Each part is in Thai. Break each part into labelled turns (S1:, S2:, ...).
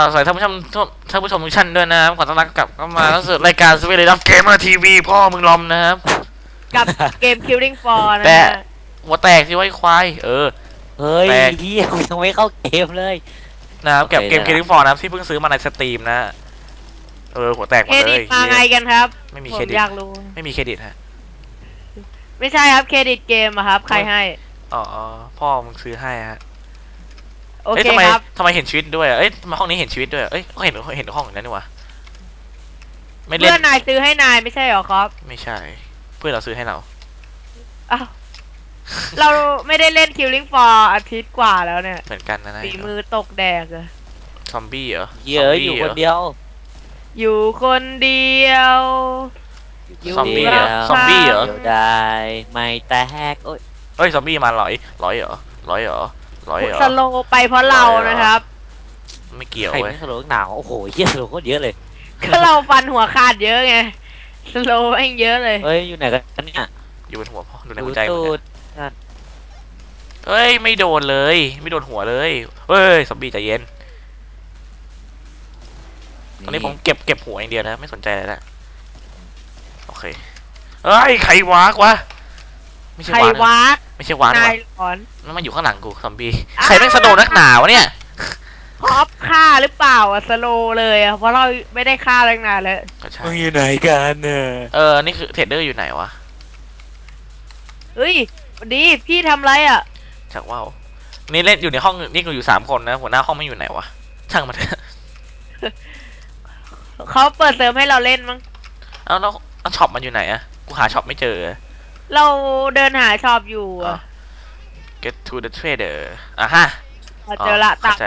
S1: สวัสดีท่านผู้ชมทุกท่านด้วยนะครับขอต้อนรับกลับเข้ามาสู่รายการสวีเดนเกมเมอร์ทีวีพ่อมึงลอมนะครับ
S2: กับเกม Killing Floor นะ
S1: แต่หัวแตกที่ไว้ควาย
S3: เฮ้ยพี่ยังไม่เข้าเกมเลย
S1: นะครับเก็บเกม Killing Floor นะครับที่เพิ่งซื้อมาในสตรีมนะหัวแตกหมดเลย
S2: มาไงกันครับ
S1: ไม่มีเครดิต
S2: อยากรู้
S1: ไม่มีเครดิตฮะ
S2: ไม่ใช่ครับเครดิตเกมอะครับใครให้
S1: อ๋อพ่อมึงซื้อให้ฮะ
S2: โอเคครับ
S1: ทำไมเห็นชีวิตด้วยทำไมห้องนี้เห็นชีวิตด้วยก็เห็นห้องนั้นนี่วะ
S2: ไม่เล่นเพื่อนนายซื้อให้นายไม่ใช่หรอครับ
S1: ไม่ใช่เพื่อนเราซื้อให้เรา
S2: อ้าวเราไม่ได้เล่น Killing Floor อาทิตย์กว่าแล้วเนี่ย
S1: เหมือนกันนะ
S2: ฝีมือตกแดกเลย
S1: ซอมบี้เหรอ
S3: เยอะอยู่คนเดียว
S2: อยู่คนเดียว
S1: ซอมบี้เหรอ
S3: ได้ไม่แตก
S1: ซอมบี้มาร้อยเหรอ
S2: สโลไปเพราะเรานะครับ
S1: ไม่เกี่ยว
S3: เว้ยสโลหนาวโอ้โหเยอะสโลโคตรเยอะเลย
S2: ก็เราฟันหัวขาดเยอะไงสโลเองเยอะเลย
S3: อยู่ไหนกันเนี่ย
S1: อยู่บนหัวพ่อดูในหัวใจไม่โดนเลยไม่โดนหัวเลยซอมบี้ใจเย็นตอนนี้ผมเก็บหัวอย่างเดียวนะไม่สนใจเลยนะโอเคใครวากวะไม่ใช่วากไม่ใช่วากมันมาอยู่ข้างหลังกูซอมบี้ใครแม่งสโลนักหนาวะเนี่ย
S2: พอปฆ่าหรือเปล่าสโลเลยเพราะเราไม่ได้ฆ่าตั้งนานแล้ว
S3: มึงอยู่ไหนกัน
S1: นี่คือเทรดเดอร์อยู่ไหนวะ
S2: เฮ้ยวันดีพี่ทำไร
S1: จากว่าวนี่เล่นอยู่ในห้องนี่กูอยู่3 คนนะหัวหน้าห้องไม่อยู่ไหนวะช่างมัน
S2: เขาเปิดเซิร์ฟให้เราเล่นมั้ง
S1: แล้วช็อปมันอยู่ไหนกูหาช็อปไม่เจอ
S2: เราเดินหาช็อปอยู่
S1: get to the trader ฮะ
S2: เจอละตัด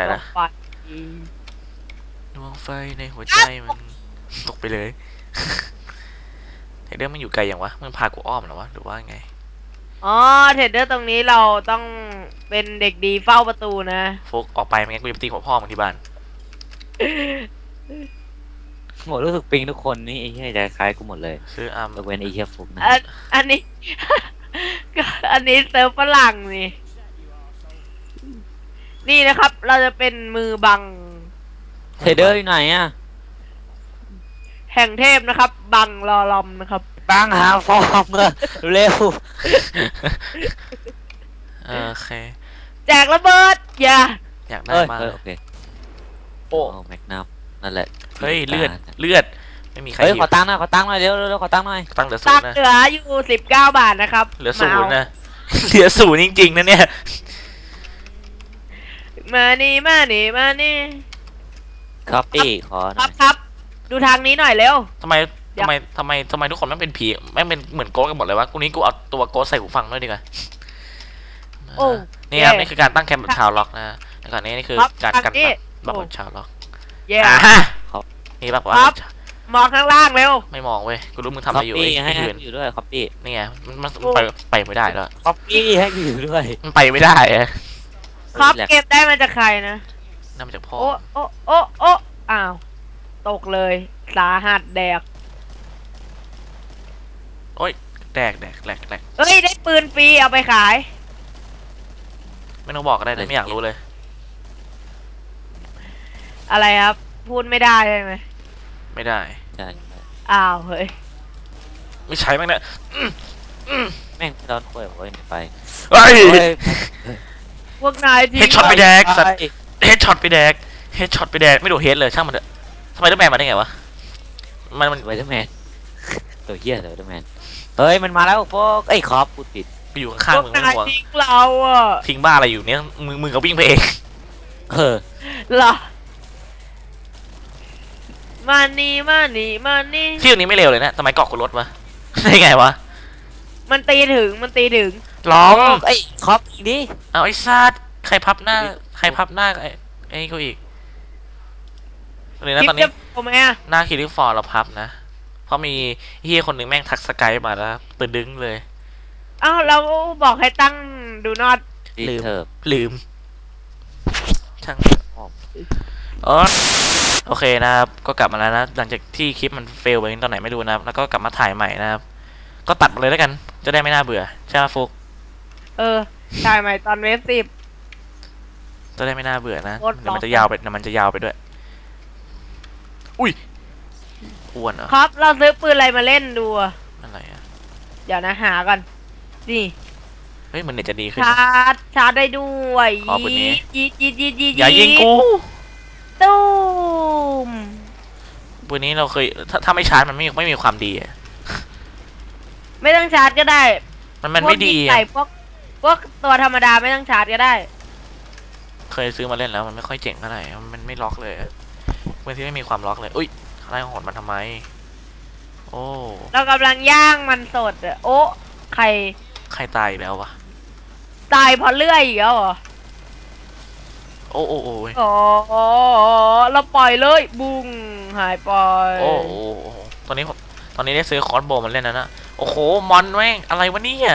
S1: ดวงไฟในหัวใจมันตกไปเลยเทรดเดอร์มันอยู่ไกลอย่างวะมันพากูอ้อมหรอวะหรือว่าไง
S2: เทรดเดอร์ตรงนี้เราต้องเป็นเด็กดีเฝ้าประตูนะ
S1: ฟุกออกไปไม่งั้นกูจะตีหัวพ่อมึงที่บ้าน
S3: หมดรู้สึกปิงทุกคนนี่ไอ้เหี้ยใจคล้ายกูหมดเลย
S1: ซื้อ
S3: ยกเว้นไอ้เหี้ยฟุกนะ
S2: อันนี้เซิร์ฟฝรั่งนี่นะครับเราจะเป็นมือบัง
S3: เทรดเดอร์อยู่ไหน
S2: แห่งเทพนะครับบังรอลอมนะครับ
S3: บังหาฟอร์มเร็ว
S1: โอเค
S2: แจกระเบิด
S1: อยากได้มาก
S3: โอเคโอ้แม็กนัมนั่นแหละ
S1: เฮ้ยเลือดไม่มีใคร
S3: ขอตังค์หน่อยเร็วขอตังค์หน่อย
S1: ตังค์เหลือ
S2: 0นะเหลืออยู่19 บาทนะครับ
S1: เหลือ0นะเหลือ0จริงๆนะเนี่ย
S2: มานี่ครับดูทางนี้หน่อยเร็ว
S1: ทำไมทุกคนไม่เป็นผีไม่เป็นเหมือนโก๊กันหมดเลยวะกูนี้กูเอาตัวโก๊ใส่หูฟังด้วยดีกว่านี่ครับนี่คือการตั้งแคมป์แบบชาวล็อกนะแล้วก่อนนี่คือการกันแบบชาวล็อกนี่แบบว่
S2: ามองข้างล่างเร็ว
S1: ไม่มองเว้ยกูรู้มึงทำอะไรอยู่
S3: ให้อยู่ด้วยคอปปี้
S1: นี่ไงมันไปไม่ได้แล้ว
S3: คอปปี้ให้อยู่ด้วย
S1: มันไปไม่ได้
S2: ครับเก็บได้มาจากใครนะ
S1: น่ามาจากพ่อ
S2: โอ้อ้าวตกเลยสาหัสแดก
S1: แดก
S2: เฮ้ยได้ปืนฟรีเอาไปขาย
S1: ไม่ต้องบอกก็ได้แต่ไม่อยากรู้เลย
S2: อะไรครับพูดไม่ได้ใช่ไหม
S1: ไม่ได้
S2: อ้าวเฮ้ย
S1: ไม่ใช่แม่งเนี่ย
S3: แม่งโดนคุยบอกว่าไป
S2: พวกนาย
S1: เฮดช็อตไปแดกเฮดช็อตไปแดกไม่โดนเฮดเลยช่างมันเถอะสไปเดอร์แมนมาได้ไงวะ
S3: มันสไปเดอร์แมนตัวเหี้ยสไปเดอร์แมนเฮ้ยมันมาแล้วพวกไอ้คอปพูดผิด
S1: ไปอยู่ข้างมึงไม่ห่วง
S2: ทิ้งเรา
S1: ทิ้งบ้าอะไรอยู่เนี้ยมึงก็วิ่งไปเอง
S2: เหรอมานี่
S1: ที่ตรงนี้ไม่เร็วเลยนะทำไมเกาะกูรถวะได้ไงวะ
S2: มันตีถึง
S1: ร้อง
S3: ไอ้คอปอีกดิ
S1: เอาไอ้ซาดใครพับหน้าไอ้เขาอีกเลยนะตอนนี้หน้าคิริฟอร์เราพับนะเพราะมีเฮียคนหนึ่งแม่งทักสกายมาแล้วตื่นดึงเลย
S2: เราบอกให้ตั้งดูนอต
S1: ลืมช่างโอเคนะครับก็กลับมาแล้วนะหลังจากที่คลิปมันเฟลไปตอนไหนไม่รู้นะแล้วก็กลับมาถ่ายใหม่นะครับก็ตัดมาเลยแล้วกันจะได้ไม่น่าเบื่อใช่ไหมฟุก
S2: ถ่ายใหม่ตอนเวฟ10
S1: จะได้ไม่น่าเบื่อนะเดี๋ยวมันจะยาวไปด้วยอุ้ยอ้วนเหรอ
S2: ครับเราซื้อปืนอะไรมาเล่นดูอะ
S1: อะไรอ่ะ
S2: เดี๋ยวนะหาก่อนนี่
S1: เฮ้ยมันเน็ตจะดีขึ้น
S2: ชาร์จได้ด้วย
S1: อ๋อปืนนี้
S2: ยีด
S1: อย่ายิงกู
S2: ตูม
S1: ปืนนี้เราเคยถ้าไม่ชาร์จมันไม่มีความดีอะ
S2: ไม่ต้องชาร์จก็ได้
S1: มันไม่ดี
S2: พวกยิง
S1: อะ
S2: ใส่พวกตัวธรรมดาไม่ต้องชาร์จก็ได้
S1: เคยซื้อมาเล่นแล้วมันไม่ค่อยเจ๋งเท่าไหร่มันไม่ล็อกเลยอะปืนที่ไม่มีความล็อกเลยอุ้ยอะไรของมันทำไมโอ้
S2: เรากำลังย่างมันสดอะโอ้ใคร
S1: ใครตายอีกแล้ววะ
S2: ตายเพราะเลื่อยอีกแล้วเหรอ
S1: โอ้โอ้โอ้ย
S2: อ๋อเราปล่อยเลยบุ้งหายไป
S1: โอ้โอ้โอ้ตอนนี้ได้ซื้อคอร์สโบว์มันเล่นนะโอ้โหมอนแม่งอะไรวะเนี่ย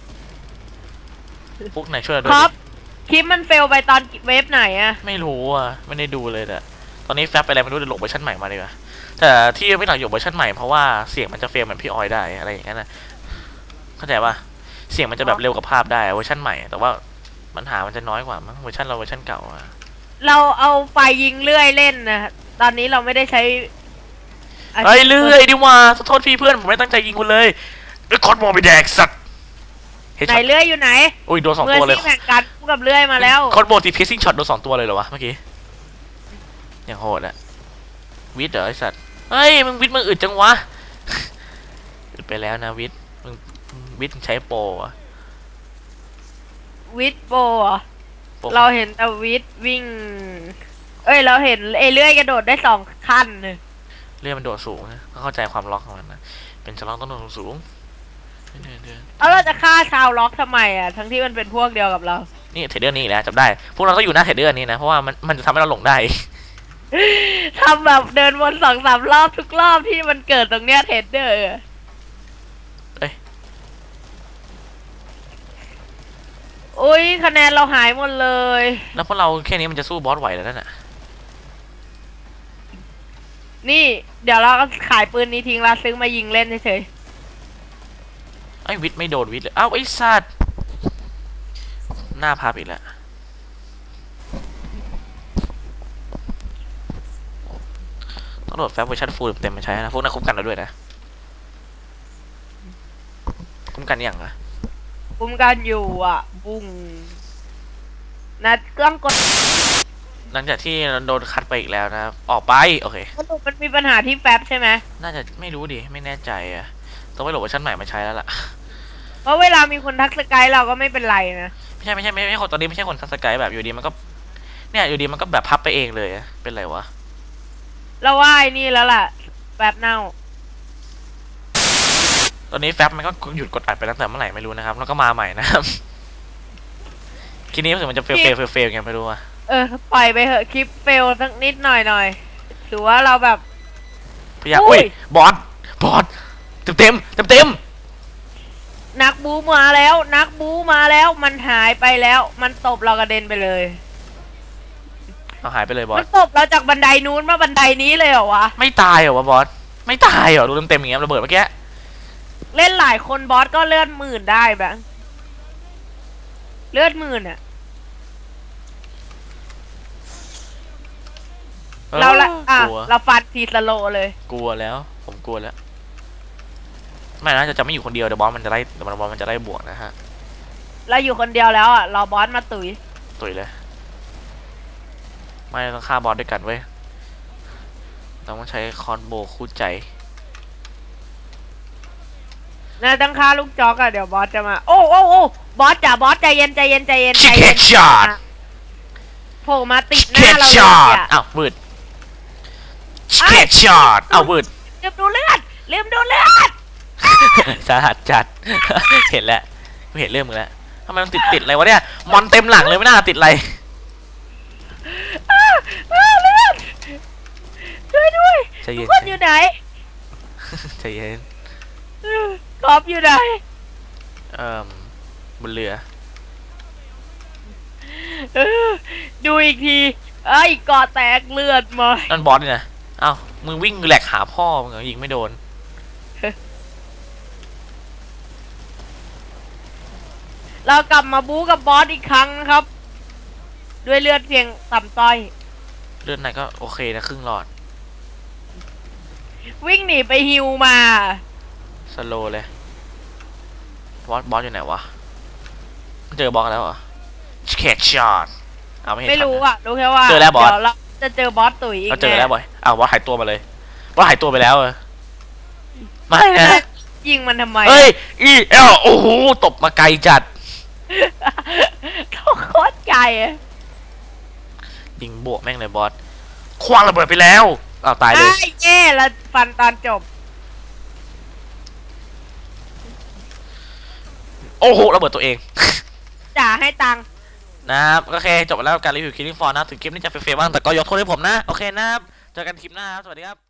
S1: พวกไหนช่วยเราดู
S2: ครับ
S1: ดิ
S2: คลิปมันเฟลไปตอนเวฟไหนอะ
S1: ไม่รู้อ่ะไม่ได้ดูเลยแต่ตอนนี้แฟบไปอะไรไม่รู้เดี๋ยวโหลดเวอร์ชันใหม่มาดีกว่าแต่ที่ไม่หน่อยโหลดเวอร์ชันใหม่เพราะว่าเสียงมันจะเฟลเหมือนพี่ออยได้อะไรอย่างนั้นนะเข้าใจป่ะเสียงมันจะแบบเร็วกับภาพได้เวอร์ชันใหม่แต่ว่าปัญหามันจะน้อยกว่ามั้งเวอร์ชันเราเวอร์ชันเก่าอ่ะ
S2: เราเอาไฟยิงเลื่อยเล่นนะตอนนี้เราไม่ได้ใช้
S1: เฮ้ยเลื่อยดิว่าโทษพี่เพื่อนผมไม่ตั้งใจยิงคุณเลยไอ้คอร์สโบว์ไปแดกสัตว์
S2: ไหนเลื่อยอยู่ไหน
S1: อุ้ยโดนสอง
S2: เมื่อ
S1: ตัวเลย
S2: ที่แข่งกันคู่กับเลื่อยมาแล้ว
S1: คอร์สโบว์ตีเพซซิ่งช็อตโดน2 ตัวเลยเหรอวะเมื่อกี้อย่างโหดอะวิทย์เหรอไอสัตว์เฮ้ยมึงวิทย์มึงอึดจังวะอึดไปแล้วนะวิทย์มึงวิทย์มึงใช้โปรอะ
S2: วิทโปรเหรอ
S1: โปร
S2: เราเห็นแต่วิทวิ่ง เอ้ยเราเห็นเอเลื่อยกระโดดได้2 ขั้นเลย
S1: เลื่อนมันโดดสูงนะก็เข้าใจความล็อกของมันนะเป็นสล็อกต้องโดดสูงเดิน
S2: แล้วเราจะฆ่าชาวล็อกทำไมอ่ะทั้งที่มันเป็นพวกเดียวกับเรา
S1: นี่เทรดเดอร์นี่อีกแล้วจับได้พวกเราต้องอยู่หน้าเทรดเดอร์นี้นะเพราะว่ามันจะทำให้เราหลงได้
S2: ทำแบบเดินวน2-3 รอบทุกรอบที่มันเกิดตรงเนี้ยเทรดเดอร์
S1: เอ้ย
S2: อุ้ยคะแนนเราหายหมดเลย
S1: แล้วพวกเราแค่นี้มันจะสู้บอสไหวแล้วนั่นน่ะ
S2: นี่เดี๋ยวเราก็ขายปืนนี้ทิ้งแล้วซื้อมายิงเล่นเฉย
S1: ไอ้วิทย์ไม่โดนวิทย์เลยอ้าวไอ้สัตว์หน้าพับอีกแล้วต้องโหลดแฟบเวอร์ชันฟูลเต็มมาใช้นะพวกนั้นคุ้มกันเราด้วยนะคุ้มกันอย่างอะ
S2: ๆคุ้มกันอยู่อ่ะ บุ้งนัดเครื่องกด
S1: หลังจากที่เราโดนคัดไปอีกแล้วนะครับออกไปโอเค
S2: สรุปมันมีปัญหาที่แฟบใช่ไหม
S1: น่าจะไม่รู้ดิไม่แน่ใจอะต้องไปโหลดเวอร์ชันใหม่มาใช้แล้วล่ะ
S2: เพราะเวลามีคนทักสกายเราก็ไม่เป็นไรนะ
S1: ไม่ใช่คนตอนนี้ไม่ใช่คนทัสกายแบบอยู่ดีมันก็เนี่ยอยู่ดีมันก็แบบพับไปเองเลยอะเป็นไรวะ
S2: เราว่าไอ้นี่แล้วล่ะแฟบเน่า
S1: ตอนนี้แฟบมันก็หยุดกดอัดไปตั้งแต่เมื่อไหร่ไม่รู้นะครับแล้วก็มาใหม่นะครับ ทีนี้รู้สึกมันจะเฟลกันไม่รู้อะ
S2: ปล่อยไปเหอะคลิปเฟลสักนิดหน่อยถือว่าเราแบบ
S1: พยายาม
S2: อุ้
S1: อุ้
S2: ย
S1: ยบอสเต็ม
S2: นักบูมาแล้ว นักบูมาแล้วมันหายไปแล้ว มันตบเรากระเด็นไปเลย
S1: เอาหายไปเลยบอ
S2: มั
S1: ส
S2: นตบเราจากบันไดนู้นมาบันไดนี้เลยเหรอวะ
S1: ไม่ตายเหรอวะบอสไม่ตายเหรอดูเต็มอย่างเงี้ยระเบิดเมื่อกี้
S2: เล่นหลายคนบอสก็เลือด10,000ได้แบบเลือด10,000อ่ะ เราละ
S1: กลัว
S2: เราฟันทีสโลเลย
S1: กลัวแล้วผมกลัวแล้วไม่นะจะไม่อยู่คนเดียวเดี๋ยวบอสมันจะไล่เดี๋ยวบอสมันจะไล่บวกนะฮะ
S2: เราอยู่คนเดียวแล้วอ่ะรอบอสมาตุ๋ย
S1: ตุยเลยไม่ต้องฆ่าบอสด้วยกันเว้ยเราต้องใช้คอนโบคู่ใจ
S2: น่าต้องฆ่าลูกจอกอ่ะเดี๋ยวบอสจะมาโอ้บอสจ๋าบอสใจเย็น
S1: ชิคเก็ตช็อต
S2: โผล่มาติดห
S1: เก็
S2: น้า
S1: ต
S2: เราเล
S1: ช็อย ต
S2: อ่ะ
S1: อ้าววืดเก็ตช็อตอ้าววืด
S2: ลืมดูเลือด
S1: สาหัสจัด เห็นแล้วไม่เห็นเรื่องมึงแล้วทำไมมันติดอะไรวะเนี่ยมอนเต็มหลังเลยไม่น่าติดอะไร
S2: เลือดช่วยด้วย
S1: ใจเย็น
S2: คนอยู่ไหน
S1: ใจเย็น
S2: กอบอยู่ไหน
S1: บนเรือ
S2: ดูอีกทีไอ้เกาะแตกเลือดมา
S1: นั่นบอสนี่นะเอ้ามึงวิ่งแหลกหาพ่อมึงเหรอยิงไม่โดน
S2: เรากลับมาบู๊กับบอสอีกครั้งนะครับ ด้วยเลือดเพียงต่ำต้อย
S1: เลือดไหนก็โอเคนะครึ่งหลอด
S2: วิ่งหนีไปฮิวมา
S1: สโลเลยบอสอยู่ไหนวะเจอบอสแล้วเหรอแคชช็อตเอาไม่เห็น
S2: ไม่รู้
S1: ทันนะ
S2: อ่ะรู้แค่ว่า
S1: เจอแล้วบอส
S2: เดี๋ยวเราจะเจอบอสตุ๋ยอีก
S1: ก็เจอแล้วบอยอ้าวบอสหายตัวมาเลยบอสหายตัวไปแล้วไม่นะ
S2: ยิงมันทำไม
S1: เฮ้ยโอ้โหตบมาไกลจัด
S2: โคตรไกลอะ
S1: ยิงบวกแม่งเลยบอสคว้างระเบิดไปแล้วอ้าวตายเลย
S2: ไอ้แย่แล้วฟันตอนจบ
S1: โอ้โหระเบิดตัวเอง
S2: จ่าให้ตังค์
S1: นะครับโอเคจบแล้วการรีวิว Killing Floor นะถึงคลิปนี้จะเฟรมบ้างแต่ก็ยกโทษให้ผมนะโอเคนะครับเจอกันคลิปหน้าครับสวัสดีครับ